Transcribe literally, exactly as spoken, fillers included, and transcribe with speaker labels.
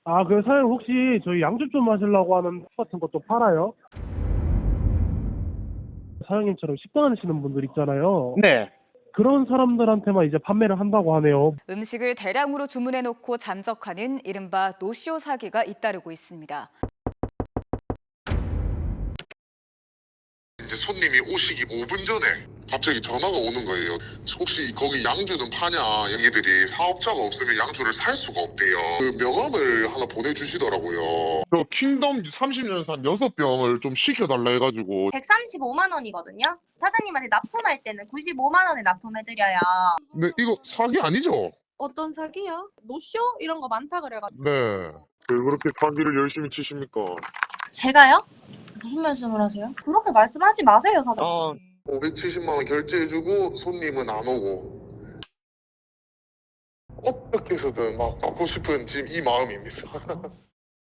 Speaker 1: 아, 그 사장님 혹시 저희 양주 좀 마시려고 하는 술 같은 것도 팔아요? 사장님처럼 식당 하시는 분들 있잖아요.
Speaker 2: 네.
Speaker 1: 그런 사람들한테만 이제 판매를 한다고 하네요.
Speaker 3: 음식을 대량으로 주문해놓고 잠적하는 이른바 노쇼 사기가 잇따르고 있습니다.
Speaker 4: 이제 손님이 오시기 오 분 전에 갑자기 전화가 오는 거예요. 혹시 거기 양주는 파냐? 얘기들이 사업자가 없으면 양주를 살 수가 없대요. 그 명함을 하나 보내주시더라고요.
Speaker 5: 저 킹덤 삼십 년산 여섯 병을 좀 시켜달라 해가지고.
Speaker 6: 백삼십오만 원이거든요. 사장님한테 납품할 때는 구십오만 원에 납품해드려요.
Speaker 5: 근데 이거 사기 아니죠?
Speaker 7: 어떤 사기요? 노쇼? 이런 거 많다 그래가지고.
Speaker 5: 네. 왜 그렇게 사기를 열심히 치십니까?
Speaker 6: 제가요? 무슨 말씀을 하세요? 그렇게 말씀하지 마세요, 사장님.
Speaker 5: 아,
Speaker 4: 오백칠십만 원 결제해주고 손님은 안 오고 어떻게 해서든 막 받고 싶은 지금 이 마음입니다.